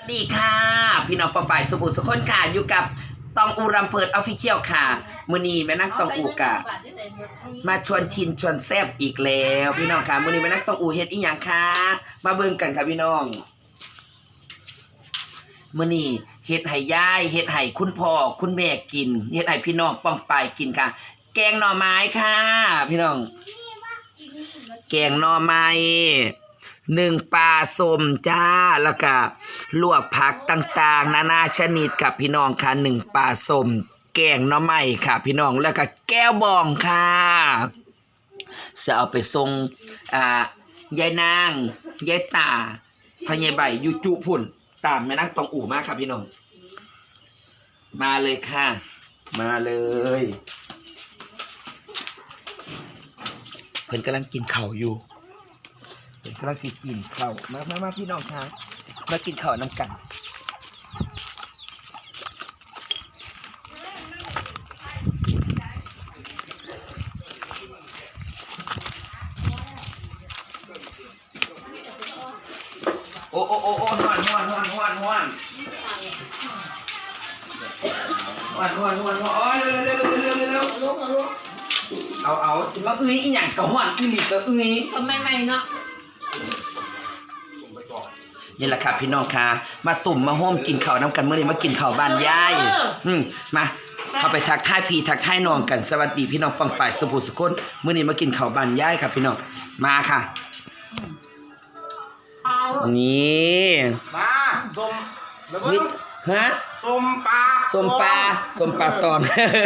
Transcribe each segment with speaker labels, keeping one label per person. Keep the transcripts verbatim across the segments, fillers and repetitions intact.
Speaker 1: ดีค่ะพี่น้องปอปายสุบุสุคนค่ะอยู่กับตองอูรำเพิดออฟฟิเชียลค่ะมื้อนี้แม่นักตองอูกะมาชวนชินชวนแซ่บอีกแล้วพี่น้องค่ะมื้อนี้แม่นักตองอูเฮ็ดอีหยังคะมาเบิ่งกันค่ะพี่น้องมื้อนี้เฮ็ดให้ยายเฮ็ดให้คุณพ่อคุณแม่กินเฮ็ดให้พี่น้องป้องปายกินค่ะแกงหน่อไม้ค่ะพี่น้องแกงหน่อไม้หนึ่งปลาส้มจ้าแล้วก็ลวกผักต่างๆนานาชนิดกับพี่น้องค่ะหนึ่งปลาส้มแกงหน่อไม้ค่ะพี่น้องแล้วก็แก้วบองค่ะจะเอาไปส่งอ่ายายนางยายตาพญายใบยูจุพุ่นตามแม่นางตองอู่มากครับพี่น้องมาเลยค่ะมาเลยเพิ่นกำลังกินข้าวอยู่กำลังสิกินข้าวมามามาพี่น้องค่ะมากินข้าวน้ำกันโอ้โอ้โอ้โอ้หวนหวนหวนหวนหวนหวนหวนหวนหวนโอ้ยเร็วเร็วเร็วเร็วเร็วเร็วเอาเอาจะมาอื้ออีหยังกับหวนอื้อหลีกับอื้อทำไมไม่เนาะนี่แหละครับพี่น้องค่ะมาตุ่มมาโฮมกินข้าวน้ำกันเมื่อนี้มากินข้าวบ้านยายอืมมาเข้าไปทักทายพี่ทักทายน้องกันสวัสดีพี่น้องปังป่ายสุภูสุคนเมื่อนี้มากินข้าวบ้านยายครับพี่น้องมาค่ะนี่
Speaker 2: มาส้ม
Speaker 1: นี่ฮะ
Speaker 2: ส้มปลา
Speaker 1: ส้มปลาส้มปลาตอง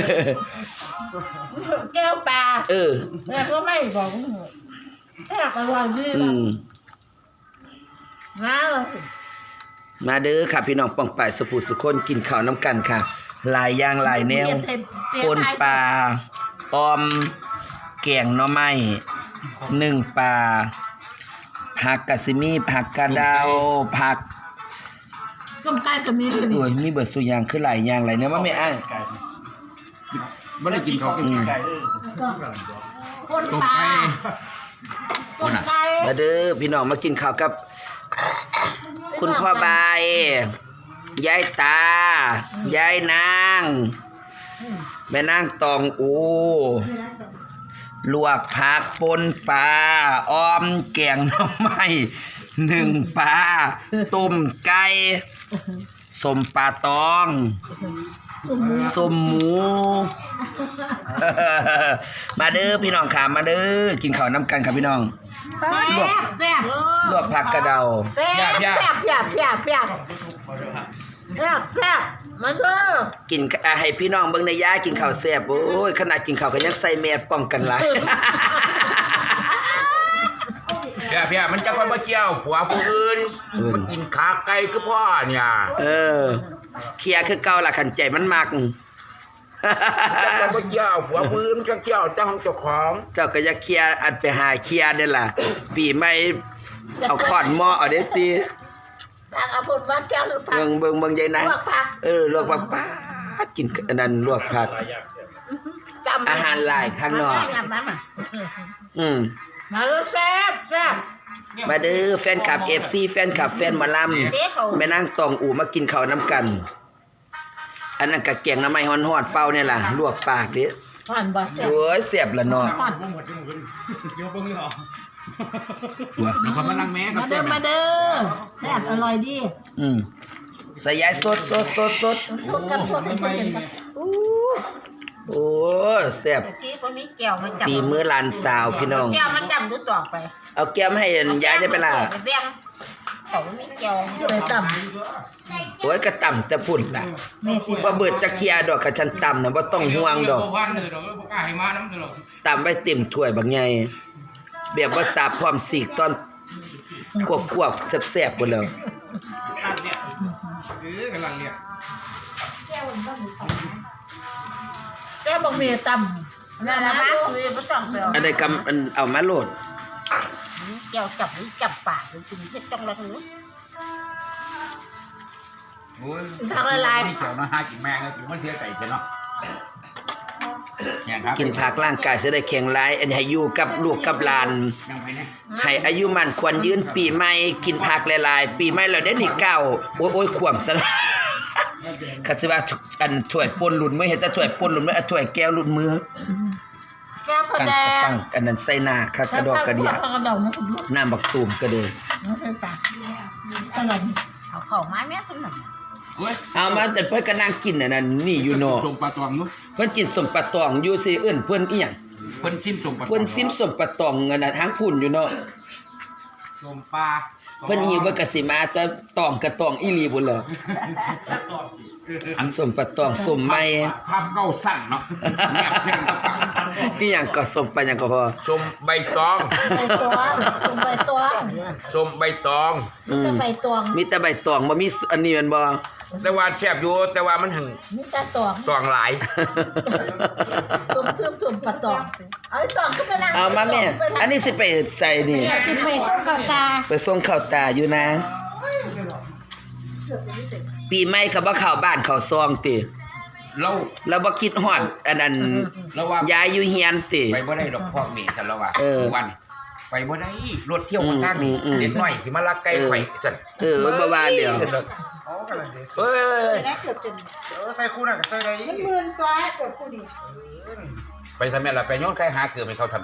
Speaker 3: แก้วปลา
Speaker 1: เออ
Speaker 3: แม่ก็ไม่บอกแค่กระวังที่
Speaker 1: อืม
Speaker 3: มา
Speaker 1: มาเด้อค่ะพี่น้องป่องป่ายสุภูสุคนกินข้าวน้ำกันค่ะหลายอย่างหลายแนวปนปลาออมแกงหน่อไม้หนึ่งปลาผักกะซิมีผักกระเดาผัก
Speaker 3: ต้มไก่ก็มี
Speaker 1: โอ้ยมีเบิดสุอย่างคือหลายอย่างหลายแนวว่าไม่อ้าย
Speaker 2: ไม่ได้กินเขากินไก่
Speaker 3: คนปลาคนไก่
Speaker 1: มาเด้อพี่น้องมากินข้าวกับคุณพ่อบายยายตายายนางแม่นางตองอูลวกผักปนปลาอ้อมแกงหน่อไม้หนึ่งปลาต้มไก่สมปลาตองสมหมูมาเด้อพี่น้องค่ะมาเด้อกินข้าวน้ำกันครับพี่น้อง
Speaker 3: ลวกแซ่บ
Speaker 1: ลวกผักกระเดา
Speaker 3: แซ่บแซ่บแซ่บแซ่บแซ่บแซ่บแซ่บมาเด้อ
Speaker 1: กินให้พี่น้องเบิ่งในย่ากินข้าวแซ่บโอ้ยขนาดกินข้าวก็ยังใส่แมสป้องกันหลาย
Speaker 2: เพียเพียมันจะคนมาเกี่ยวผัวผู้อื่นมันกินขาไก่คือพ่อเนี่ย
Speaker 1: เออเคลียร์คือเก่าล่ะขันใจมันมัก
Speaker 2: จะมาเกี่ยวผัวผู้อื่นจะเกี่ยวเจ้าของเจ้าของ
Speaker 1: เจ้าก็จะเคลียร์อันไปหาเคลียร์นี่ล่ะปีใหม่เอาขอนหม้อเอาเด้สิ
Speaker 3: เอาผลว่าแก้วหรือผัก
Speaker 1: เบิ่งเบิ่งเบิ่งใหญ่นะ
Speaker 3: ลวกผัก
Speaker 1: เออลวกผักป้ากินอันนั้นลวกผักอาหารหลายข้างนอกอืม
Speaker 3: มาเด้อแซ่บแซ่บ
Speaker 1: มาเด้อแฟนคลับ เอฟ ซี แฟนคลับแฟนหมอลำแม่นางตองอู่มากินข้าวน้ำกันอันนั้นก็แกงน้ำไม้ฮ้อนๆเป่าเนี่ยล่ะลวกปากดิ
Speaker 3: ฮ้อนบ่
Speaker 1: โอ้ยเสียบละเนาะ
Speaker 2: ว้าเดี๋ยวเขามานั่งแม่
Speaker 3: มาเด้อมาเด้อแซ่บอร่อยดี
Speaker 1: อืมใส่ยายสดสดสดสด
Speaker 3: สดกันสดให้เพิ่นกันอู้
Speaker 1: โอ้แซ่บฝีมือหลานสาวพี่น้อง
Speaker 3: แก้วมันจำดูต่อไป
Speaker 1: เอาแก้วให้ยายได้ไปล่ะ
Speaker 3: เขาไม่แก้วเลยต่ำ
Speaker 1: โอ้ยกระต่ำแต่พุ่นล่ะบ่เบิดตะเคียดอกกะฉันต่ำน่ะบ่ต้องห่วงดอกต่ำไว้เต็มถ้วยบักใหญ่แบบว่าสาบพร้อมสีกตอนกวกๆแซ่บๆพุ่นแล้ว
Speaker 3: แก้วบ่มีต่ำนั่นล่ะคือบ่ต้องไป
Speaker 1: อันใดกำอันเอามาโหลด
Speaker 3: แก้วจับนี่จับปากเลยกินเฮ็ดจังละหือ
Speaker 2: โอ้ยทางละลายนี่เจ้าน้าหากินแมงแล้วถึงมันเสียใจเนาะ
Speaker 1: กินผักร่างกายจะได้แข็งแรงอันนี้ให้อยู่กับลูกกับหลานให้อายุมันควรยืนปีใหม่กินผักหลายๆปีใหม่แล้วได้นี่เก้าโอ้ยโอ้ยขวมซะนะคัสิว่าอันถ้วยป่นหลุดมือเห็นแต่ถ้วยป่นหลุดมือถ้วยแก้วหลุดมือ
Speaker 3: แก้วพะ
Speaker 1: ตั้ง
Speaker 3: แดง
Speaker 1: ตั้งอันนั้นใส่หน้าคักกระดอกกระเดีย
Speaker 3: กระดองนะคุณลูก
Speaker 1: น้ำบักตูมก็เด้อ
Speaker 3: น้องใส่ปากกระดองเอาเข้าไม้แม่สมหนัก
Speaker 2: เว้ย
Speaker 1: เอามาแต่เพิ่นก็นั่งกินอันนั้นนี่อยู่เนาะ
Speaker 2: ส่งปลาตองนู้
Speaker 1: เพิ่นกินสมปะตองอยู่สิเอิ้นเพิ่นอีหยัง
Speaker 2: เพิ่นชิมส่งปลาตอง
Speaker 1: เพิ่นซิมสมปะตองอันนั้นทางพุ่นอยู่เนาะ
Speaker 4: ลมปลา
Speaker 1: เพิ่นหิวเพิ่นก็สิมาแต่ตองกะตองอีหลีพุ่นเหรออันสมปะตองสมใหม่
Speaker 2: ภาพเก้าสั้นเนาะแนบแน่นกับปาก
Speaker 1: อีหยังก็สมปะหยังก็พอ
Speaker 2: ส้มใบตอง
Speaker 3: ใบตองจุ่มใบตอง
Speaker 2: ส้มใบตอง
Speaker 1: อืม
Speaker 3: จะใบตอง
Speaker 1: มีแต่ใบตองบ่มีอันนี้แม่นบ่
Speaker 2: แต่ว่าแซ่บอยู่แต่ว่ามันถึง
Speaker 3: มีแต่ตอง
Speaker 2: ตองหลาย
Speaker 3: จุ่มซึมจุ่มปะตองเอาไอ้ตองขึ้นไปนั่ง
Speaker 1: เอามาแม่อันนี้สิไปใส่นี่
Speaker 3: กินไปก่อนตา
Speaker 1: ไปส่งข้าวตาอยู่นะ ปีใหม่ก็บ่เข้าบ้านเข้าซองติ
Speaker 2: เรา
Speaker 1: แล้วบ่คิดฮอดอันนั้น
Speaker 2: เราว่าย
Speaker 1: ายอยู่เฮียนติ
Speaker 2: ไปบ่ได้ดอกพวกนี้ซั่นแล้วว่า
Speaker 1: เออ
Speaker 2: วันไปบ่ได้รถเที่ยวคนทางนี้
Speaker 1: อืมอืม
Speaker 2: เด็กน้อยสิมาลักไก่ไข่ซั่น
Speaker 1: เออบ่ว่าเดี๋ยว
Speaker 2: ซั่นเด้อ
Speaker 4: เขากำลังดี
Speaker 2: เฮ้ย
Speaker 3: ได้เกือบจน
Speaker 4: เออใส่คู่นั่นกับใส่ได้
Speaker 3: มันหมื่นตัวเกือบผู้ดี
Speaker 2: ไปทำแม่ล่ะไปโยนไก่หาเกือบให้เขาทำ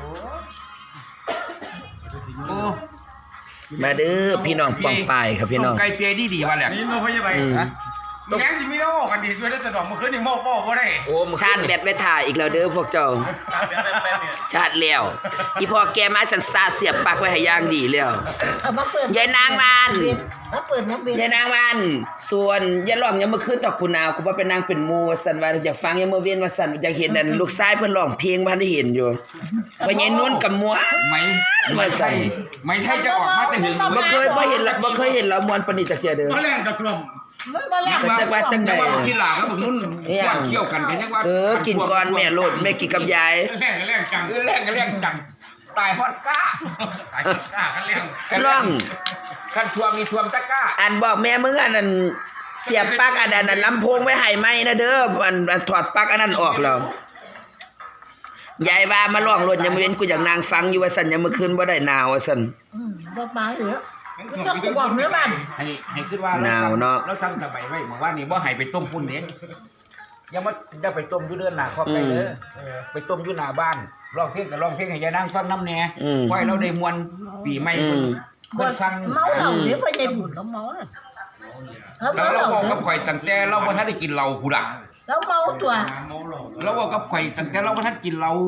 Speaker 2: โอ้
Speaker 1: มาเด้อพี่น้องปองปายครับพี่น้อง
Speaker 2: ต้มไก่เปียดีๆว่าแหละ
Speaker 4: นี่โนพยาบาล
Speaker 1: อืม
Speaker 4: นะแง่ที่มีโน่กันดีช่วยได้สะดอกเมื่อคืนนี่โม่โม่ก็ได้
Speaker 2: โอ้มึง
Speaker 1: ชาติแบตไว้ถ่ายอีกแล้วเด้อพวกเจ้า ชาติแล้วอีพ่อแกมาจันซาเสียบปลักไว้ให้อย่างดีแล้ว
Speaker 3: เอามาเปิด
Speaker 1: ยายนางมัน
Speaker 3: มาเปิดน้ำเบน
Speaker 1: ยายนางมันส่วนอย่าร้องยังเมื่อคืนดอกคุณนาวกูว่าเป็นนางเป็นหมู่ว่าซั่นว่าอยากฟังยังเมื่อเว้นว่าซั่นอยากเห็นนั่นลูกชายเพิ่นร้องเพลงบ่ทันได้เห็นอยู่ว่าไงนุ่นกับมัว
Speaker 2: ไม่ไม่ใช่ไม่ใช่จะออกมาแต่หึง
Speaker 1: บ่เคยบ่เห็นละบ่เคยเห็นละมวนปานนี้จักเที่ยเด้อ
Speaker 4: ก็แรงกับกลม
Speaker 3: มันมาแล้ว
Speaker 1: จักว่าจังใด
Speaker 2: ยังว่ากินหลากับผมนุ่น
Speaker 1: เอี่ยง
Speaker 2: เกี่ยวกันกันยังว่า
Speaker 1: เออกินก่อนแม่โลดแม่กินกับยาย
Speaker 4: แรงกับแรงจัง
Speaker 2: เออแรงกันแรงจังตายฮอดก้า
Speaker 4: ตายกล้ากันแรง
Speaker 1: ร้อง
Speaker 2: คันทวมมีทวมตะก้า
Speaker 1: อันบอกแม่มึงอันนั้นเสียบปลั๊กอันนั้นน่ะลำโพงไว้ให้ไหมนะเด้ออันอันถอดปลั๊กอันนั้นออกแล้วยายว่ามาร้องรถยังบ่เว้นกูอยากนั่งฟังอยู่ว่าซั่นยังเมื่อคืนบ่ได้หนาวว่าซั่น
Speaker 3: อืมบ่มาเหรอก็กูบอกเนื้อมัน
Speaker 2: ให้ให้คิดว่า
Speaker 1: หนาวเนาะ
Speaker 2: เราทำสบายไว้เมื่อวานนี้บ่ให้ไปต้มปุ้นเด้ยังมาได้ไปต้มอยู่เดือนหน้าครอบไปเด้อไปต้มอยู่หน้าบ้านร้องเพลงก็ร้องเพลงให้ยายนางฟังนำแหน่
Speaker 1: อืม
Speaker 2: ไว้เราได้มวนปีใหม่
Speaker 1: อืม
Speaker 2: เพิ่นสั่ง
Speaker 3: เมาเหล้าเนี่ยพ่อใหญ่บุญเขาเมาเลยเขา
Speaker 2: แล้
Speaker 3: เมาว เห
Speaker 2: เรา
Speaker 3: ล้า
Speaker 2: บอก
Speaker 3: เนี่
Speaker 2: กับ
Speaker 3: ย
Speaker 2: ข่อยตั้งแต่เราบ่ทันได้กินเหล้าพุดะ
Speaker 3: แล้วเมาตัว
Speaker 4: เมาหลอก
Speaker 2: เราบอกกับข่อยตั้งแต่เราบ่ทันกินเหล้า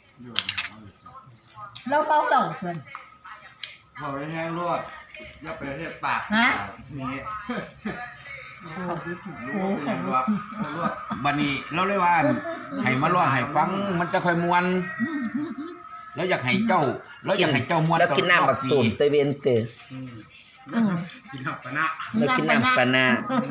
Speaker 3: แล้วเมาเหล้าเพื่อน
Speaker 4: เขาไปแห้งรวดอย่าไปเทียบปาก
Speaker 3: ฮะ
Speaker 4: นี่
Speaker 3: โอ้โห
Speaker 4: รู้เป็นยังรวดรวด
Speaker 2: บัดนี้เราเลยว่าให้มาร้องให้ฟังมันจะค่อยม่วนแล้วอยากให้เจ้าแล้วอยากให้เจ้าม่วน
Speaker 1: แล้วกินน้ำบักตูมตะเวนเตอ
Speaker 4: อืม
Speaker 3: อืม
Speaker 4: กินหับปะนะ
Speaker 1: แล้วกินน้ำปานา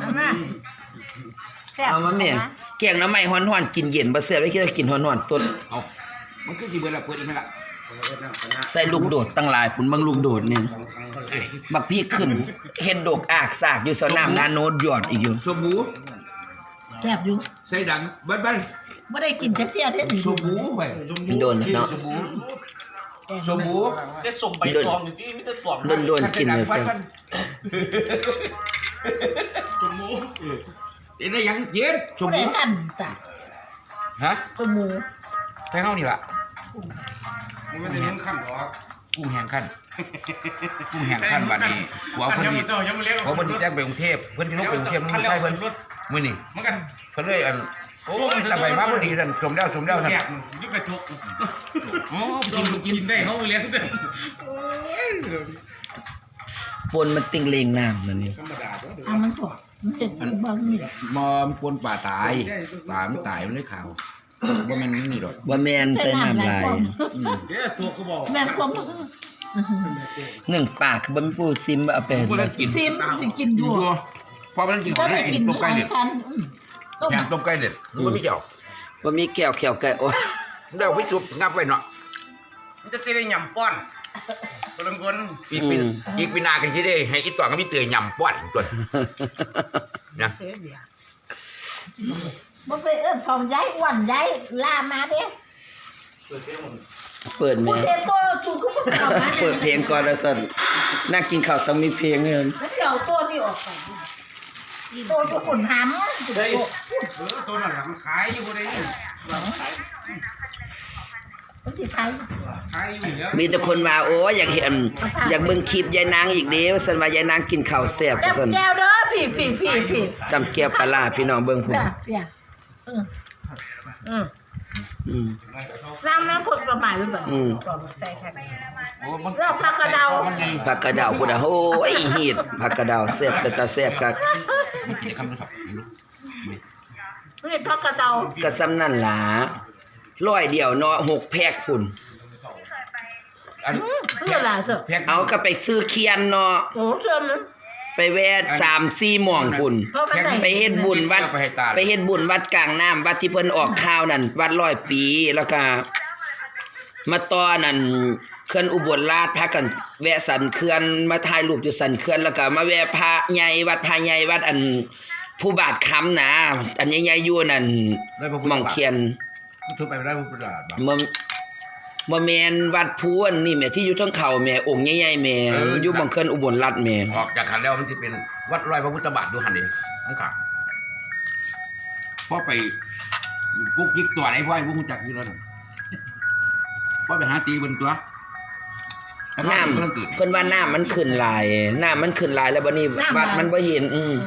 Speaker 1: เอามาแม่แกงหน้ำไม้ฮ้อนๆกินเย็นบ่แซ่บไว้กินกินฮ้อนๆต้น
Speaker 2: เอามันคือสิเบิดแล้วเปิดอีกไหมล่ะ
Speaker 1: ใส่ลูกโดดตั้งหลายพุ่นเบิ่งลูกโดดนี่บักพี่ขึ้นเฮ็ดดอกอากสากอยู่สนามนาโนดยอดอีกอยู่
Speaker 2: สบู่
Speaker 3: แซ่บอยู่
Speaker 2: ใส่ดังบัดบัด
Speaker 3: ไม่ได้กินจักเที่ยเด้อ
Speaker 2: สบู่ไป
Speaker 1: มันโดนเนาะ
Speaker 2: สบู่สบู่
Speaker 5: จะส่งใบตองอยู่ที่มิสเตอร์ตอง
Speaker 1: โดนโดนกินเลย
Speaker 2: ใส่
Speaker 1: เสีย
Speaker 2: ดังสบู่เดี๋ยวได้ยังเย็นส
Speaker 3: ผู้ใด
Speaker 2: บู่
Speaker 3: กันตา
Speaker 2: ฮะ
Speaker 3: ตัวหมู
Speaker 2: ใส่เฮานี่ล่ะ
Speaker 4: มันไม่ได้นุ่งขั้นหรอก
Speaker 2: กุ้งแห้งขั้นกุ้งแห้งขั้นบัดนี้หัวเพิ่น
Speaker 4: ยัง
Speaker 2: นี่
Speaker 4: ไม่เจ้ายังไม่เลี้ยง
Speaker 2: หัวเพิ่นนี่แจ้งไปกรุงเทพเพิ่นสิลงไปกรุงเทพมัน
Speaker 4: ขั้น
Speaker 2: ไม่
Speaker 4: แล้ว
Speaker 2: ใช่เพิ่น
Speaker 4: รถ
Speaker 2: มื้อนี้
Speaker 4: มันกัน
Speaker 2: เพิ่นเลยอันโอ้ยแต่ไปมาพอดีท่านสมแล้วสมแล้วท่าน
Speaker 4: แยกยุกกระจก
Speaker 2: อ๋อ
Speaker 4: กิ
Speaker 2: กิ
Speaker 4: น
Speaker 2: น
Speaker 4: กิ
Speaker 2: กิ
Speaker 4: น
Speaker 2: น
Speaker 4: ได้เขาเลี้ยงเต็ม
Speaker 1: ปนมันติงเลงน้ำนั่นนี่
Speaker 4: ธรรมดาตัว
Speaker 3: เอามันถั่วมันเห็ดบางนี่
Speaker 2: มอมปนป่าตายป่ามันตายมันเลยขาวบ่แม่นนี่ดอก
Speaker 1: ว่าแม่น
Speaker 3: ใส่
Speaker 1: ใส่
Speaker 3: น้ำ
Speaker 1: น้ำ
Speaker 3: หลา
Speaker 1: ลาย ย
Speaker 3: ความ
Speaker 2: อืม
Speaker 4: เดี๋ยวตัวก็บอก
Speaker 3: แม่นความ
Speaker 1: หนึ่งปากคือบ่มีผู้ซิมเอาไป
Speaker 2: บ่ได้กิน
Speaker 3: ซิมสิกินอ
Speaker 2: อยู่
Speaker 3: ยู่
Speaker 2: ยู่พอมันกิน
Speaker 3: ก็
Speaker 2: ของ
Speaker 3: ได้
Speaker 2: ได้
Speaker 3: กิ
Speaker 2: กิ
Speaker 3: น
Speaker 2: นต้มไก่
Speaker 3: อา
Speaker 2: เด็ด
Speaker 3: หารต้ม
Speaker 2: แห้งต้มไก่เด็ดมันบ่มีเจ้า
Speaker 1: บ่มีแก้วแขวไก่โอ้ย
Speaker 2: เดี๋ยวไปจุบงับไว้เนาะ
Speaker 4: มันจะได้ยำป้อนคนละคน
Speaker 2: อีกปีอีกปีหน้ากันสิได้ให้อีตัวก็มีเตยยำป้อนตัวนะ
Speaker 3: เสียเบียร์มันไปเอิ้นของย้ายอ้วนย้ายลามาเด้
Speaker 1: เปิดแห
Speaker 3: พู
Speaker 1: ม่
Speaker 3: ดเด็กตัวจูก็พูดออกมา
Speaker 1: เปิดเพลงก่อนแล้วสั่นนั่งกินข้าวต้องมีเพลงเงิน
Speaker 3: แล้วเดี๋ยวตัวนี้ออกไปตัวอยู่ขุนหำ
Speaker 4: เออตัวนั้นน่ะมันขายอยู่บ่ได้นี่
Speaker 3: มันติดไทย
Speaker 4: ขายอยู่แล้ว
Speaker 1: มีแต่คนว่าโอ้อยากเห็นอยากเบิ่งคลิปยายนางอีกเด้ว่าซั่นว่ายายนางกินข้าวแซ่บ
Speaker 3: แก้
Speaker 1: ว่าซั่น
Speaker 3: วแก้วเด้อพี่พี่พี่พี่
Speaker 1: จำแก้วปลาร้าพี่น้องเบิ่งพุ่น
Speaker 3: เด้อเด้ออืมอืม
Speaker 1: อืม
Speaker 3: น้ำน้ำคนประมาณหรือเปล่า
Speaker 1: อืม
Speaker 3: ใส่ค่ะ
Speaker 2: โอ้มัน
Speaker 3: รอบผักกระเดา
Speaker 2: มันไง
Speaker 1: ผักกระเดาพุ่นน่ะโอ้ยฮีดผักกระเดาแซ่บเป็นตาแซ่บคัก
Speaker 2: กินคำนึงครับ
Speaker 3: นี่ผักกระเดา
Speaker 1: ก็ซ้ำนั่นล่ะร้อยเดียวเนาะหกแพ็คพุ่น
Speaker 2: อัน
Speaker 3: อืมนี่อะไรเถอะ
Speaker 2: แพ็ค
Speaker 1: เอาก็ไปซื้อเคียนเนาะ
Speaker 3: โอ้เชื่อมัน
Speaker 1: ไปแวะสามสี่หม่องพุ่น
Speaker 3: เพราะมันได้
Speaker 1: ไปเฮ็ดบุญวัด
Speaker 2: ไปให้ตา
Speaker 1: ไปเฮ็ดบุญวัดกลางน้ำวัดที่เพิ่นออกข่าวนั่นวัดร้อยปีแล้วก็มาต่อนั่นเขื่อนอุบลราชพากันแวะสันเขื่อนมาถ่ายรูปอยู่สันเขื่อนแล้วก็มาแวะพระใหญ่วัดพระใหญ่วัดอันผู้บาทค้ำนะอันใหญ่ๆอยู่นั่นหม่องเคียน
Speaker 2: ทุบไปไม่ได้พุทธบาทบาท
Speaker 1: บ่บ่แม่นวัดพูนนี่แหม่ที่อยู่เทั้งเขาแหม่องค์ใหญ่ๆแหม่อยู่หม่องเขื่อนอุบลราชแหม่
Speaker 2: ออกจากขันแล้วมันจะเป็นวัดร้อยพระพุทธบาทดูหันดิอังกาพอไปกุ๊กยิกตัวไหนพ่อไอ้พวกมึงจักอยู่แล้วนั่นพ่อไปหาตีบนตัวแล้วก็
Speaker 1: น้ำ
Speaker 2: เรื่องตื่น
Speaker 1: เพิ่นว่าน้ำมันขึ้นหลายน้ำมันขึ้นหลายแล้วบัดนี้วัดมันบ่เห็นอืม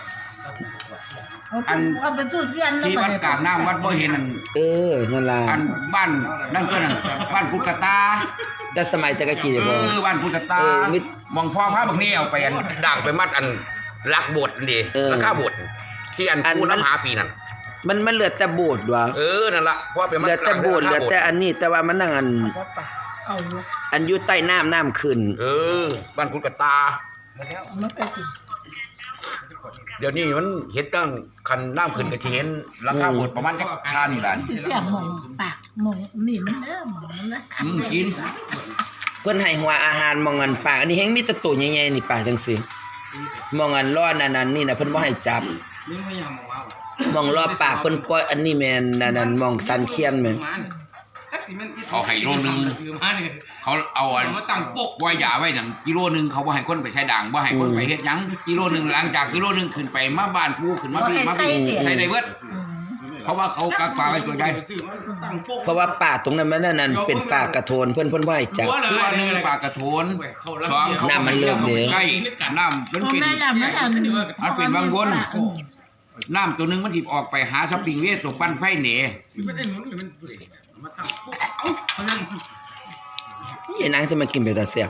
Speaker 2: อัน
Speaker 3: เอาไปสู้เสียน
Speaker 2: ที่วัดกลางน้ำวัดบ่เห็นอัน
Speaker 1: เออนั่นล่ะ
Speaker 2: อันบ้านนั่นก็นั่นบ้านพุทธตา
Speaker 1: แต่สมัยแต่กะกี้
Speaker 2: เอ
Speaker 1: บ่
Speaker 2: อบ้านพุทธตา
Speaker 1: เออมิตร
Speaker 2: มองพ่อพระบางนี่เอาไปอันด่างไปมัดอันลักโบสถ์นี่
Speaker 1: เออ
Speaker 2: ราคาโบสถ์ที่อัน
Speaker 1: อัน
Speaker 2: ผู้
Speaker 1: มัน
Speaker 2: น้ำหาปีนั่น
Speaker 1: มันมันเหลือแต่โบสถ์ว่ะ
Speaker 2: เออนั่นละเพราะว่าไปมัด
Speaker 1: เหลือแต่โบสถ์เหลือแต่อันนี้แต่ว่ามันนั่งอัน
Speaker 3: เอาอยู่
Speaker 1: อันอยู่ใต้น้ำน้ำขึ้น
Speaker 2: เออบ้านพุทธตา
Speaker 3: มันใส่กิน
Speaker 2: เดี๋ยวนี้มันเห็นตั้งคันน้ำขึ้นก็จะเห็นราคาโบสถ์ประมาณจักค่านี่ล่ะ
Speaker 3: สิเสียมองปากมองนี่มันเด้อมองมันนะ
Speaker 2: อืมกิน
Speaker 1: เพิ่นให้หัวอาหารมองอันปากอันนี้แฮงมีแต่ตัวใหญ่ๆนี่ปากจังซี่มองอันล้อนั่นนั่นนี่น่ะเพิ่นบ่ให้จับ
Speaker 4: นี่ไม่ยังมองว่าม
Speaker 1: องรอบปากเพิ่นปล่อยอันนี้แม่นนั่นนั่นมองสันเคียนแม่น
Speaker 2: เขาให้โลนึง
Speaker 4: คือมาเนี่ย
Speaker 2: เขาเอาอัน
Speaker 4: มาตั้งปก
Speaker 2: ไว้ยาไว้นั่นกิโลนึงเขาบ่ให้คนไปใช้ด่างบ่ให้คนไปเฮ็ดหยังกิโลนึงหลังจากกิโลนึงขึ้นไปมาบ้านผู้ขึ้นมาพี่มาพี่ใช้ได้เบิดเพราะว่าเขากักปลาไว้ตัวใด
Speaker 4: ตั้งปก
Speaker 1: เพราะว่าป่าตรงนั้นมันนั่นนั่นเป็นป่ากระโทนเพิ่นเพิ่นบ่ให้จับ
Speaker 2: คือว่าหนึ่งปลากระโถนสองเขา
Speaker 1: น้ำมันเลิกเด้
Speaker 2: ใกล้น้ำมัน
Speaker 3: มัน
Speaker 2: เป็น
Speaker 3: ไม่ละมันอัน
Speaker 2: มันเป็นบางวนน้ำตัวหนึงมันสิออกไปหาสปริงเวทตัวปั้นไฟเหน
Speaker 4: ไม่ได้หนุนมันมาตั้งปกเขาเรื่อง
Speaker 1: ยายนางจะมากินไปแต่แซ่บ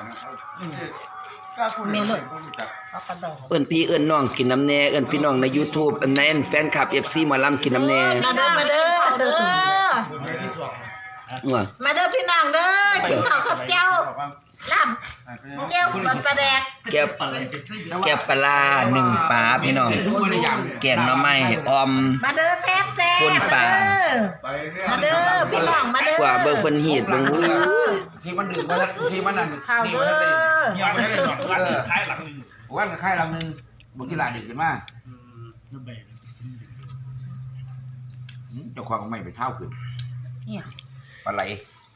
Speaker 3: ก็คุณเมย์เลยเอากระดอง
Speaker 1: เอิ้นพี่เอิ้นน้องกินน้ำแน่เอิ้นพี่น้องใน YouTube อันนั้นแฟนคลับ เอฟ ซี หมอลำกินน้ำแน่
Speaker 3: มาเด้อมาเด้อเด้อ
Speaker 1: ว่า
Speaker 3: มาเด้อพี่น้องเด้อกินข้าวกับเจ้าลำเจ้ามันปลาแดก
Speaker 1: แก้วแก้วปลาร้าหนึ่งปลาพี่น้องแกงหน่อไม้ออม
Speaker 3: มาเด้อแซ่บแซ่บ
Speaker 1: คนป่า
Speaker 3: มาเด้อพี่น้องมาเด้อก
Speaker 1: ว่าเบิ่งเพิ่นฮีดเบิ่งอู้
Speaker 2: ที่มันดื่มมาแล้วที่มันนั่น
Speaker 3: ข้าว
Speaker 2: นี่
Speaker 3: เด้
Speaker 2: มัน
Speaker 3: อ
Speaker 2: ได้
Speaker 4: ยังไม่ได้หนุนวันท้ายหลังหนึ่ง
Speaker 2: วันค่ายลำหนึงบุกที่ลาดื่มขึ้นมาเจ้าของไม่ไปเช่าขึ้น
Speaker 3: เนี่ย
Speaker 2: ปลาไหล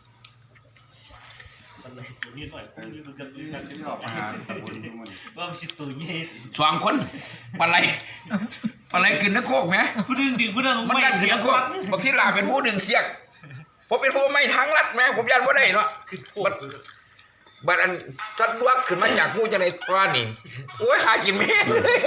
Speaker 5: นี่หน่อยนี่มันจะนี่มันจะ
Speaker 4: ออกมาตะบุญทุกวัน
Speaker 5: ว่ามันสิตัวเย่
Speaker 2: สองคนปลาไหลปลาไหลกินตะโคกไหม
Speaker 5: ผู้ดึงดึงผู้ดึง
Speaker 2: มันดันเสียงโคกบางทีลาเป็นผู้ดึงเสียกผมเป็นผู้ไม่ทั้งรัดแม่ผมยันว่าได้เนาะบัดบัดอันทัดวักขึ้นมาจากผู้จะในว่านี่โอ้ยหากินแม่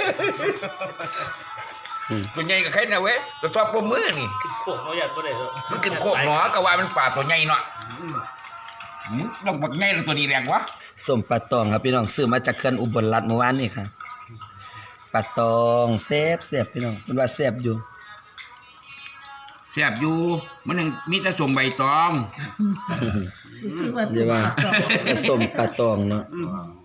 Speaker 2: ตัวใหญ่กับใครนะเว้ยตัวทอดปมมือนี่
Speaker 5: โขกเขาอยากก็ได้เลย
Speaker 2: มันกินโคกหนอกะว่ามันป่าตัวใหญ่เนาะมึงลองบักใหญ่แล้วตัวนี้แรงวะ
Speaker 1: ส้มปลาตองครับพี่น้องซื้อมาจากเขื่อนอุบลรัตน์เมื่อวานนี่ครับปลาตองแซ่บแซ่บพี่น้องเพิ่นว่าแซ่บอยู่
Speaker 2: แซ่บอยู่มันยังมีแต่สมใบตอง
Speaker 3: ชื่อว่า
Speaker 1: เดี๋ยวว่าผสมปลาตองเนาะ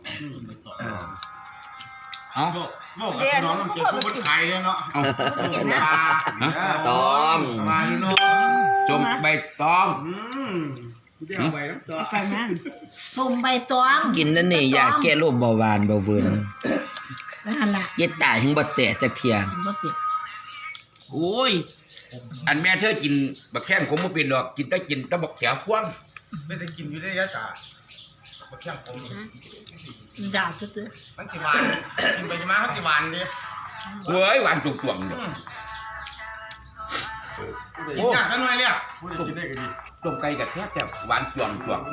Speaker 2: เอ้า
Speaker 4: บอกกับพี่น้องต้องเจอผู้คนขายเนาะ
Speaker 2: เอ้า
Speaker 1: ตอง
Speaker 4: มาพี่น้อง
Speaker 2: สมใบตอง
Speaker 4: อืมเดี๋ยวไปแล้วต่อ
Speaker 3: ไปนั่นตุ่มใบตอง
Speaker 1: กินนั่นนี่ยาแก้โรคเบาหวานเบาเวิร์น
Speaker 3: นั่นล่ะ
Speaker 1: ยายตายถึงบ่แตะจักเที่ย
Speaker 3: บ่ติด
Speaker 2: โอ้ยอันแม่เธอกินบักแข้งขมบ่เป็นดอกกินแต่กินแต่บักแขวควง
Speaker 4: ไม่ได้กินอยู่ได้ยะจ้ามาเคี่ยงผม
Speaker 3: ด่าจุดเลย
Speaker 4: มันสิหวานกินไปมาเขาสิหวานดิ
Speaker 2: เว้ยหวานจุกๆเด้อ
Speaker 4: กินยากกันหน่อยเลยพูดกินได้ก็ดี
Speaker 2: ต้มไก่กับแซ่บแต่หวานจ่วงจ่วง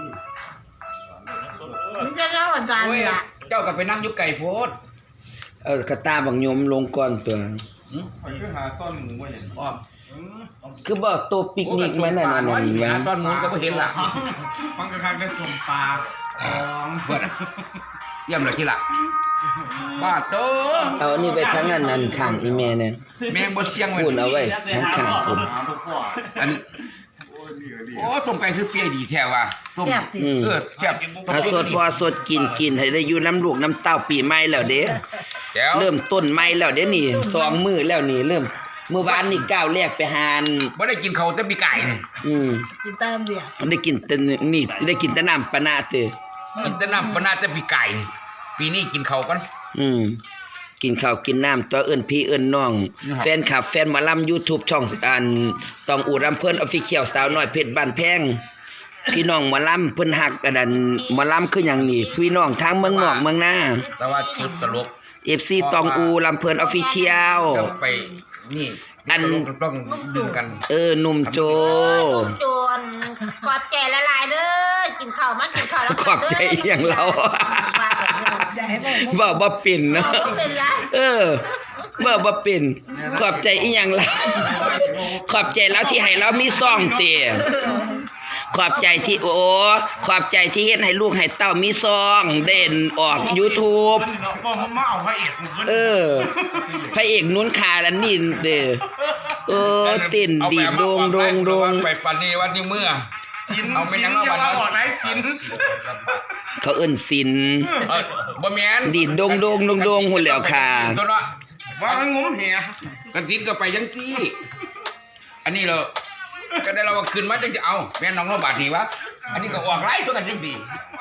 Speaker 3: มันจะเล่าอาจารย์
Speaker 2: โอ้ย
Speaker 3: ละ
Speaker 2: เจ้าก็ไปนั่งอยู่ไก่โพด
Speaker 1: เอากระตาบังยมลงก่อนตัว
Speaker 2: หืม
Speaker 4: คอยคือหาต้นหมูมาเห็น
Speaker 2: อ้อม
Speaker 1: คือบ่ตัวปิกนิกมานั่นน่ะ
Speaker 2: โอ้
Speaker 1: นั่
Speaker 2: ย
Speaker 1: น
Speaker 2: หา
Speaker 1: ว่า
Speaker 2: ตอนนู้นก็บ่เห็นล่ะ
Speaker 4: มันก็คักได้สมปลาทอง
Speaker 2: เบิดเยี่ยมเลยที่ละบาดโต
Speaker 1: เอาอันนี้ไปทั้งนั้นนั่นข้างอีแม่เนี่ย
Speaker 2: แมงบ่เสียงไว้
Speaker 1: พูดเอาไว้ทั้งข้างผม
Speaker 2: อันโอ้ต้มไก่คือเปียดีแท้ว่ะต้ม
Speaker 3: แซ่บสิ
Speaker 1: อืม
Speaker 2: เออแซ่บ
Speaker 1: เอาสดพอสดกินกินให้ได้อยู่น้ำลูกน้ำเต้าปีใหม่แล้วเด้
Speaker 2: แก้ว
Speaker 1: เริ่มต้นใหม่แล้วเด้นี่สองมื้อแล้วนี่เริ่มเมื่อวานนี่ก้าวแรกไปหาน
Speaker 2: บ่ได้กินข้าวแต่ปีไก่นี่
Speaker 1: อืม
Speaker 3: กินตามเดียว
Speaker 1: ได้กินแต่นี่ได้กินแต่น้ำปะนาเตอ
Speaker 2: กินแต่น้ำปนาแต่ปีไก่ปีนี้กินข้าวกัน
Speaker 1: อืมกินข้าวกินน้ำตัวเอิ้นพี่เอิ้นน้อง
Speaker 2: นะครับ
Speaker 1: แฟนคลับแฟนหมอลำ YouTube ช่องอันต้องอูรำเพิ่น Official สาวน้อยเพชรบ้านแพงพี่น้องหมอลำเพิ่นฮักอันนั้นหมอลำคือหยังนี่พี่น้องทางเมืองนอกเมืองนา
Speaker 2: แต่ว่าจุดตลก
Speaker 1: เอฟ ซี ตองอูลำเพิ่น Official
Speaker 2: ต้องไปนี่
Speaker 1: อัน
Speaker 2: ตลกต้องดึงกัน
Speaker 1: เออหนุ่มโจ
Speaker 3: จวนขอบใจละลายเด้อกินข้าวมากินข้าวแล้ว
Speaker 1: ขอบใจอหย่างเรา
Speaker 3: ใจบ่
Speaker 1: เว้าบ่เป็นเนาะ
Speaker 3: เป็นไร
Speaker 1: เออเว้าบ่เป็นขอบใจอีหยังเราขอบใจแล้วที่ให้เรามีซ่องเตะขอบใจที่โอ้ขอบใจที่เฮ็ดให้ลูกให้เต้ามีซองเด่นออก YouTube
Speaker 4: บอกมันมาเอาพระเอกมันขึ้น
Speaker 1: เออพระเอกนุ้นขาละนินเด้อเออเต้นดีโดงโดงโดง
Speaker 2: ไปปานนี้วันนี้เมื่อ
Speaker 4: สิน
Speaker 2: เอาไปยัง
Speaker 4: สิน
Speaker 2: เอา
Speaker 4: อย่า
Speaker 2: บัดนั้น
Speaker 4: มาออกไหนสิน
Speaker 1: เขาเอิ้นศิลป์
Speaker 2: เออบ่แม่น
Speaker 1: ดีดโดงโดงโดงโดงหุ่นแล้วค่ะ
Speaker 2: ตัวเนาะ
Speaker 4: ว่ามันงมเหีย
Speaker 2: กันติดก็ไปยังที่อันนี้เราก็ได้เราว่าขึ้นมาจังสิเอาแม่น้องเราบาดนี่วะอันนี้ก็ออกไล่ตัวกันจังสิ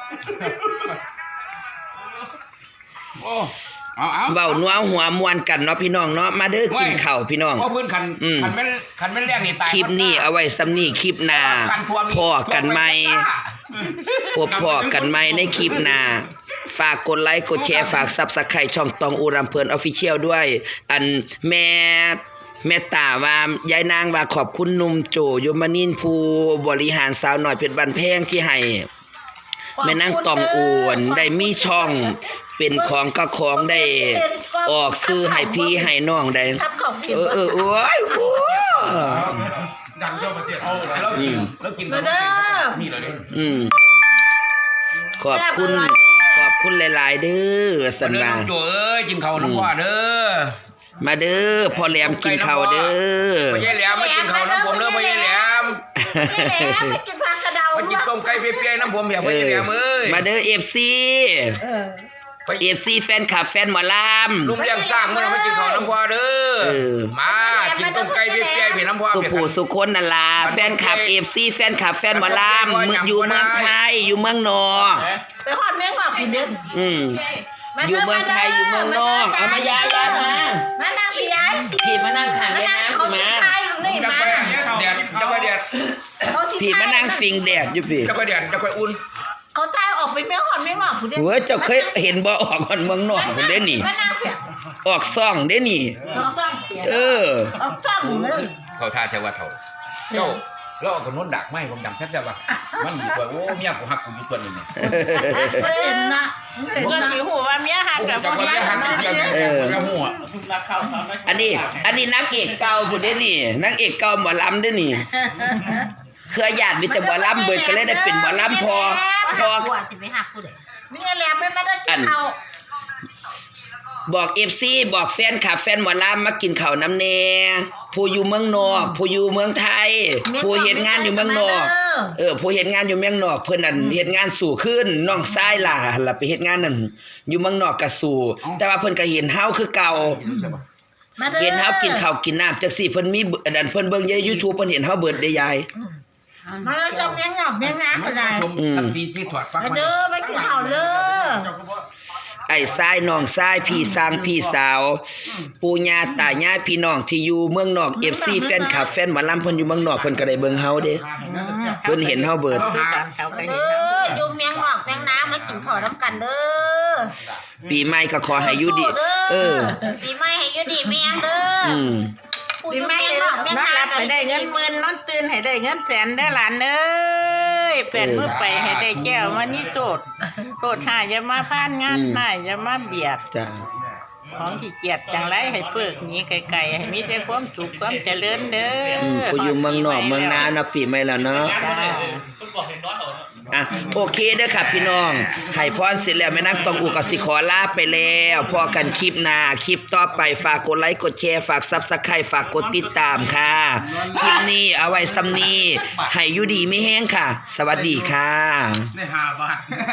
Speaker 2: โอ้เอาเอา
Speaker 1: เว้านัวหัวมวนกันเนาะพี่น้องเนาะมาเด้อกินข้าวพี่น้อง
Speaker 2: เพราะพื้นคัน
Speaker 1: อืม
Speaker 2: คันแม่นคันแม่นแรกนี่ตาย
Speaker 1: คลิปนี้เอาไว้ซ้ำนี้คลิปหน้า
Speaker 2: คันพวง
Speaker 1: พอกันใหม่พบพอกันใหม่ในคลิปหน้าฝากกดไลค์กดแชร์ฝาก Subscribe ช่องตองอูรำเพิ่น Official ด้วย อันแม่แม่ตาว่ายายนางว่าขอบคุณหนุ่มโจยมนินทร์ผู้บริหารสาวน้อยเพชรบ้านแพงที่ให้แม่นางตองอวนได้มีช่องเป็นของก็ของได้ออกซื้อให้พี่ให้น้องได้
Speaker 3: ทับของกิน
Speaker 1: เออเออโอ้ยโอ้ย
Speaker 4: ดังเจ้าประเทศ
Speaker 2: เอาแล้วกินแล้วกินแล้วนี่เลย
Speaker 1: อืมขอบคุณ ขอบคุณหลาย ๆ เด้อสัน
Speaker 2: เด้อ
Speaker 1: ว่า
Speaker 2: น้องโจเอ้ยกินข้าวน้ำพ่อเด้อ
Speaker 1: มาเด้อพ่อแหลมกินข้าวเด้อ
Speaker 2: พ่อใหญ่แหลมมากินข้าวน้ำผมเด้อพ่อใหญ่แหลม
Speaker 3: นี่แหละไปกินผักกระเดา
Speaker 2: มากินต้มไก่เปียๆน้ำผมเพียพ่อใหญ่แหลมเอ้ย
Speaker 1: มาเด้อ เอฟ ซี
Speaker 3: เออ
Speaker 1: เอฟ ซี แฟนคลับแฟนหมอล
Speaker 2: ลุงเลี้ยงสร้างเมื่อมากินข้าวน้ำพ่อเด้อ
Speaker 1: เออ
Speaker 2: มากินต้มไก่เปียๆเพียน้ำพ่อ
Speaker 1: ำสุ
Speaker 2: เพีย
Speaker 1: ภูสุคนนั่นล่ะแฟนคลับ เอฟ ซี แฟนคลับแฟนหมอลำมึงอยู่เมืองไทยอยู่เมืองนอก
Speaker 3: ไปหอดแมงหอกกินเด่น
Speaker 1: อืมอยู่เมืองไทยอยู่เมืองนอกเอามายายยายมา
Speaker 3: มานั่งพี่ยาย
Speaker 1: พี่มานั่งข้าง
Speaker 3: มา
Speaker 1: ได้
Speaker 3: นั่ง
Speaker 1: นะ
Speaker 3: เขา
Speaker 1: พี่
Speaker 3: สิ
Speaker 1: มา
Speaker 3: ทายอยู่นี่
Speaker 2: จะ
Speaker 3: มา
Speaker 2: ค่อยแดดจะค่อยแดด
Speaker 3: เขาสิ
Speaker 1: พี่มานั่งฟิงแดดอยู่พี่
Speaker 2: จะค่อยแดดจะค่อยอุ่น
Speaker 3: เขาทายออกไปแมงหอดแมงหอกผู้เด่น
Speaker 1: เฮ้ยเจ้าเคยเห็นบ่ออกคนเมืองนอกคนเด้นี่
Speaker 3: มานั่งเพีย
Speaker 1: ออกซ่องเด้นี่
Speaker 3: เอาจ้องเพีย
Speaker 1: เออ
Speaker 3: เอาจ้องเลย
Speaker 2: เขาท่าเทวะเท่าเจ้าเราเอาคนโน้นดักไม่ผมดังแซ่บแซ่บว่ะมันอยู่ตัวโอ้เมียกูหักกูอยู่ตัวนี้เนี่ย
Speaker 3: เห็นนะเห็นนะหูว่าเมียหัก
Speaker 2: ผม
Speaker 3: กับ
Speaker 2: จะว่าเมียหักอยู่เดียวเนี่ยแล้วหัว
Speaker 5: รักข้าวสามนัก
Speaker 1: อันนี้ อันนี้นางเอกเก่าผู้เด้นี่นางเอกเก่าหมอลำเด้นี่เครือญาติมีแต่หมอลำเบิดก็เลยได้เป็นหมอลำพอพอ
Speaker 3: หัวจะไปหักกูเลยมีแหลมไม่มาได้กินข้าว
Speaker 1: บอก เอฟ ซี บอกแฟนคลับแฟนหมอลำมากินข้าวน้ำแน่ผู้อยู่เมืองนอกผู้อยู่เมืองไทยผู้เฮ็ดงานอยู่เมืองนอกเออผู้เฮ็ดงานอยู่เมืองนอกเพิ่นนั่นเฮ็ดงานสู่ขึ้นน้องชายล่ะหั่นล่ะไปเฮ็ดงานนั่นอยู่เมืองนอกก็สู่แต่ว่าเพิ่นก็เห็นเฮาคือเก่า เห็นเฮากินข้าวกินน้ำจังซี่เพิ่นมีอันนั้นเพิ่นเบิ่งใน YouTube เพิ่นเห็นเฮาเบิดได้ยาย
Speaker 3: มาแล้วจะเมียงหอกเมียงน้ำก็ได้
Speaker 2: ทันทีที่ถอดฟัก
Speaker 3: มาเด้อไปกินข้าวเลย
Speaker 1: ออ้ทรายน้องทรายพี่สร้างพี่สาว ปู่ย่าตายายพี่น้องที่อยู่เมืองนอก เอฟ ซี แฟนคลับแฟนหมอลำเพิ่นอยู่เมืองนอกเพิ่นก็ได้เบิ่งเฮาเด้เพิ่นเห็นเฮาเบิด
Speaker 3: เขาไป
Speaker 6: เด้ออยู่เมียงหอกเมียงน้ำมากินข้าวน้ำกันเด้อ
Speaker 1: ปีใหม่ก็ขอให้อยู่ดี เออ
Speaker 6: ปีใหม่ให้อยู่ดีเมียงเด้อ
Speaker 1: อืม
Speaker 3: ปีใหม่นอนหลับให้ได้เงินหมื่นนอนตื่นให้ได้เงินแสนได้อหลานเอ้ยเปลี่ยนมือไปให้ได้แก้วมานี่โจทย์โจทย์หาอย่ามาพานงานหาอย่ามาเบียด
Speaker 1: จ้า
Speaker 3: ของขี้เกียจจังไรให้เปิกหนี้ไกลๆให้มีแต่ความสุขความเจริญเด้อ
Speaker 1: อืมผู้อยู่เมืองนอกเมืองนาเนาะปีใหม่แล้วเนาะ
Speaker 5: ต้องบอกเห็นน้อยเหรอ
Speaker 1: อ่ะโอเคเด้อค่ะพี่น้องให้พรเสร็จแล้วแม่นักต้องอูก็สิขอลาไปแล้วพอกันคลิปหน้าคลิปต่อไปฝากกดไลค์กดแชร์ฝาก Subscribe ฝากกดติดตามค่ะคลิปนี้เอาไว้ซ้ำนี้ให้อยู่ดีไม่แห้งค่ะ สวัสดีค่ะ
Speaker 4: ในห้าบาท